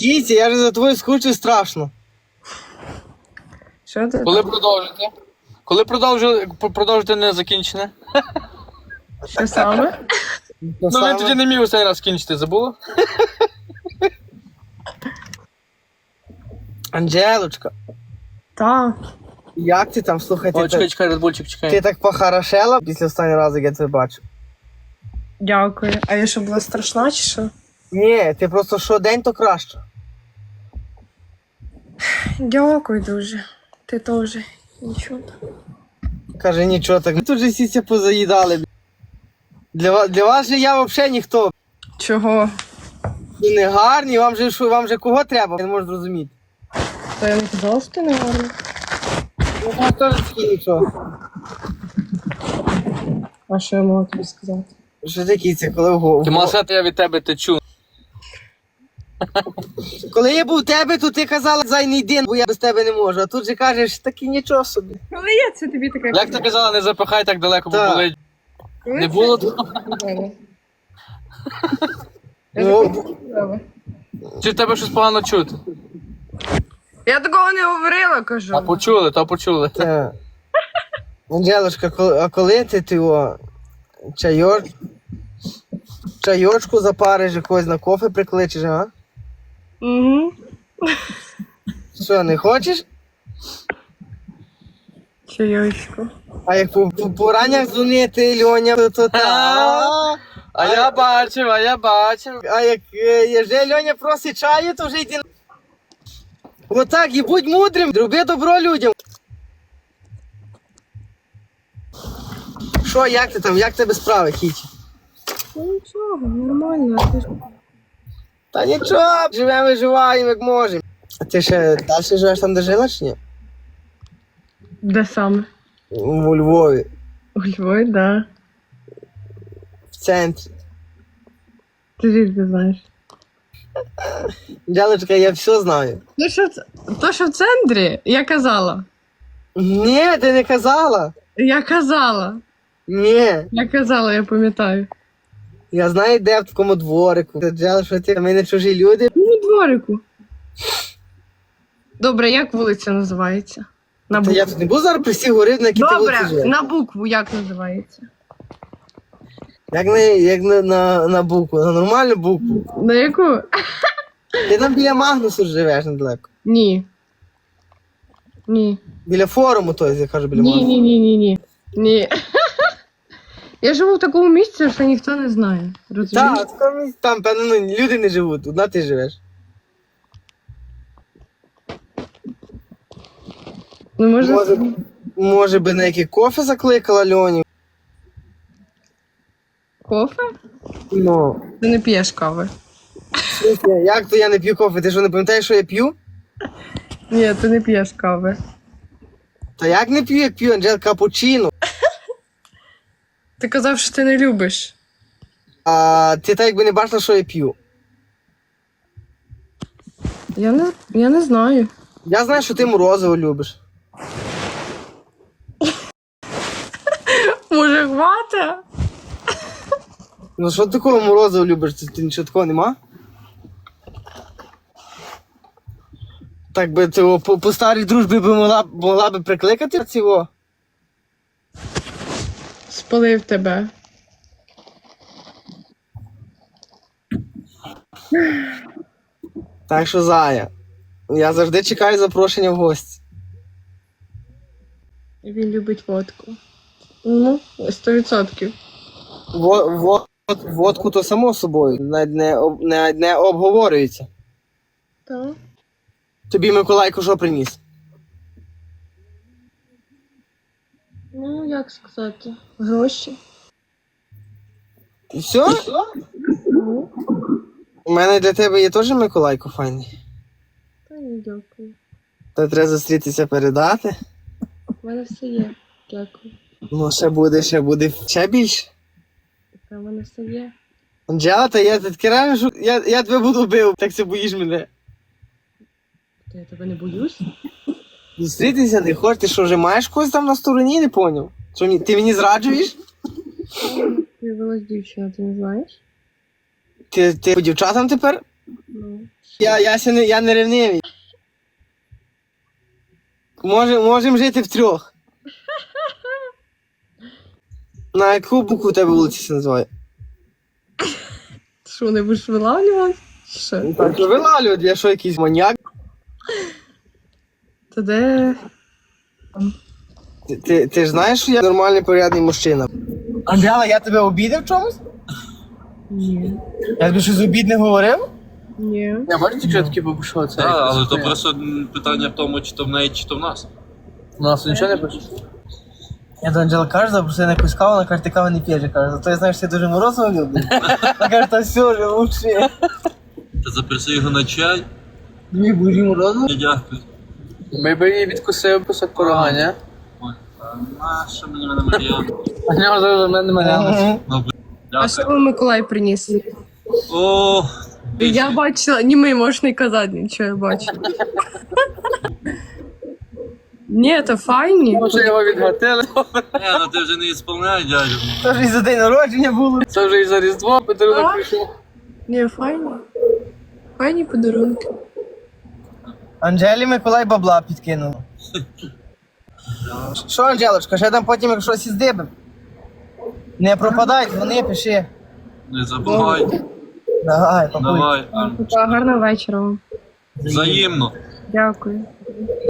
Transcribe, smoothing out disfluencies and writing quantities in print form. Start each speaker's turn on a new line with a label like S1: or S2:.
S1: Кіті, я ж за тобою скучу страшно.
S2: Що ти?
S3: Коли продовжите? Коли продовжите не закінчене?
S2: Що саме?
S3: Ну він тоді не міг останній раз скінчити, забула?
S1: Анжелочка,
S2: Так.
S1: як ти там, слухай,
S3: О, чекай, Редбульчик,
S1: ти
S3: чекай.
S1: так похорошела після останнього разу, як я тебе бачу.
S2: Дякую. А я що, була страшна чи що?
S1: Ні, ти просто щодень то краще.
S2: Дякую дуже. Ти теж. Нічого.
S1: Каже, нічого так. Ми тут же всі позаїдали. Для вас же я взагалі ніхто.
S2: Чого?
S1: Ви не гарні, вам же кого треба? Я не можу зрозуміти.
S2: То я не казала, що ти не гарна.
S1: Ну, вам теж такі нічого.
S2: А що я могла тобі сказати?
S1: Що ти, Кіця, коли в голову?
S3: Ти мала сказати, я від тебе течу.
S1: Коли я був у тебе, то ти казала, зай не йди, бо я без тебе не можу. А тут же кажеш, таки нічого собі.
S2: Коли я це тобі таке
S3: Як ти казала, не запихай так далеко, бо
S1: Так.
S3: болить. Не було того?
S1: Ну,
S3: Чи в тебе щось погано чути?
S2: Я такого не говорила, кажу.
S3: А почули, то почули.
S1: так. Анжелочка, а коли ти його чайочку запариш, якогось на кофе прикличеш, а?
S2: Угу.
S1: Що, не хочеш?
S2: Чайочку.
S1: А як по ранях дзвонити, Льоня, то та.
S3: А я бачив.
S1: А як вже Льоня просить чаю, то вже йди. Отак, і будь мудрим, роби добро людям. Що, як ти там, як тебе справи, Кіті?
S2: Ну нічого, нормально. А ти ж...
S1: Та нічого, живемо і живаємо, як можемо. А ти ще далі живеш там, де жила, чи ні?
S2: Де саме?
S1: У Львові,
S2: У Львові, да.
S1: в центрі.
S2: Ти звідки знаєш?
S1: Джалочка, я все знаю.
S2: То, що в центрі, я казала.
S1: Ні, ти не казала.
S2: Я казала.
S1: Ні,
S2: Я казала, я пам'ятаю.
S1: я знаю, де в такому дворику. Джала, що ти, ми не чужі люди.
S2: Ну, дворику. Добре, як вулиця називається? На
S1: Та
S2: букву.
S1: я тут не буду зараз при всіх говорити, на якій ти вулиці
S2: Добре,
S1: живеш.
S2: на букву як називається?
S1: Як на букву, на нормальну букву.
S2: На яку?
S1: Ти там біля Магнусу живеш недалеко.
S2: Ні. Ні.
S1: Біля форуму, той, я кажу, біля
S2: Ні,
S1: Магнусу.
S2: ні, ні, ні, ні. Ні. Я живу в такому місці, що ніхто не знає. Розумієш?
S1: Так, там, певно, ну, люди не живуть, одна ти живеш.
S2: Ну,
S1: Може би на яке кофе закликала Льоню?
S2: кофе?
S1: Ну,
S2: Ти не п'єш кави.
S1: в смысле, як то я не п'ю кофе? Ти що, не пам'ятаєш, що я п'ю?
S2: Ні, ти не п'єш кави.
S1: Та як не п'ю, як п'ю, Анджел, капучино.
S2: Ти казав, що ти не любиш.
S1: А ти так якби не бачила, що я п'ю.
S2: Я не знаю.
S1: Я знаю, що ти морозиво любиш.
S2: Може, хвата?
S1: Ну що ти такого морозиво любиш? Ти нічого такого нема? Так би ти по старій дружбі би могла би прикликати цього?
S2: Спалив тебе.
S1: Так що, Зая, я завжди чекаю запрошення в гості.
S2: Він любить водку. Ну, 100%.
S1: Водку то само собою, навіть не обговорюється.
S2: Так.
S1: Тобі Миколайко що приніс?
S2: Ну, як сказати? Гроші.
S1: І все?
S2: Ну,
S1: У мене для тебе є теж Миколайко файний.
S2: та ні, дякую.
S1: То треба зустрітися передати.
S2: У мене все є. Дякую.
S1: Ну, ще більше.
S2: Та в мене все є.
S1: Анджела, та я таке реально, що я тебе буду бив, так це боїш мене.
S2: Та я тебе не боюсь.
S1: Зустрітися не хочеш, ти що, вже маєш когось там на стороні, не поняв? Що, ти мені зраджуєш?
S2: Появилась дівчина, ти не знаєш?
S1: Ти по дівчатам тепер? Я не ревнивий. Можемо жити втрьох. На яку букву у тебе вулиця се називає?
S2: Що, не будеш вилавлювати? Що?
S1: Так, що вилавлювати, я що, якийсь маньяк?
S2: То де?
S1: Ти ж знаєш, що я нормальний, порядний мужчина? Андріана, я тебе обідав в чомусь?
S2: Ні.
S1: Я тобі щось обідне говорив?
S2: Ні.
S3: Я бачу, що такі бабушо, це.
S4: Так, але то просто питання в тому, чи то в неї, чи то в нас.
S3: У нас нічого не пише.
S1: Я до Анджела кажу, запросив на якусь каву, вона каже, ти кави не п'єш, я кажу, зато я знаю, що ти дуже морозиво любиш. Вона каже, та все, вже лучше.
S4: Та запроси його на чай.
S1: Дві бужі морозиво?
S4: Ні, дякую.
S3: Ми б її відкусив кусок порога, ні?
S4: Ой, наша мені мене Мар'яна.
S3: А нього зараз мене Мар'яна.
S4: Ну,
S2: А що
S4: дякую.
S2: вам Миколай приніс?
S4: О,
S2: Я бачила, ні, ми можеш не казати нічого, я бачила. Ні, то файні.
S3: Може його відгатили.
S4: ну ти вже не ісполняй, дядю.
S1: Це ж і за день народження було.
S3: Це вже і за Різдво подарунок
S2: А?
S3: прийшов.
S2: Ні, файні. Файні подарунки.
S1: Анджелі Миколай бабла підкинув. Що, Анджелочка, ще там потім як щось іздибим? Не пропадай, дзвони, пиши.
S4: Не забувай.
S1: Давай, папуй.
S4: Давай.
S2: Гарного вечора вам.
S4: Взаємно.
S2: Дякую.